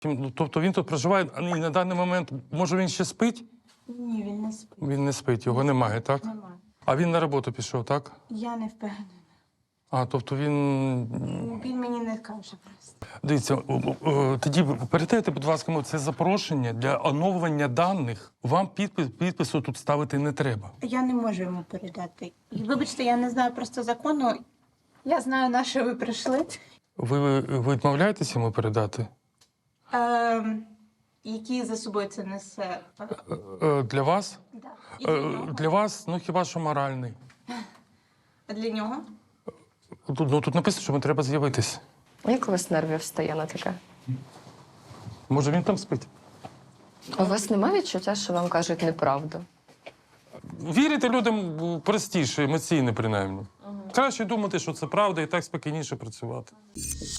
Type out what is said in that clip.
Ну, тобто він тут проживає, і на даний момент, може, він ще спить? Ні, він не спить. Він не спить, його немає, так? Немає. А він на роботу пішов, так? Я не впевнена. А, тобто він... Він мені не каже просто. Дивіться, тоді передайте, будь ласка, це запрошення для оновлення даних. Вам підпису тут ставити не треба. Я не можу йому передати. І, вибачте, я не знаю просто закону. Я знаю, на що ви прийшли. Ви відмовляєтесь йому передати? Які за собою це несе. Для вас? Да. І для нього. Для вас, ну хіба що моральний. А для нього? Тут написано, що треба з'явитись. Як у вас нервів стає на таке? Може, він там спить? У вас немає відчуття, що вам кажуть неправду? Вірити людям простіше, емоційно принаймні. Краще думати, що це правда, і так спокійніше працювати.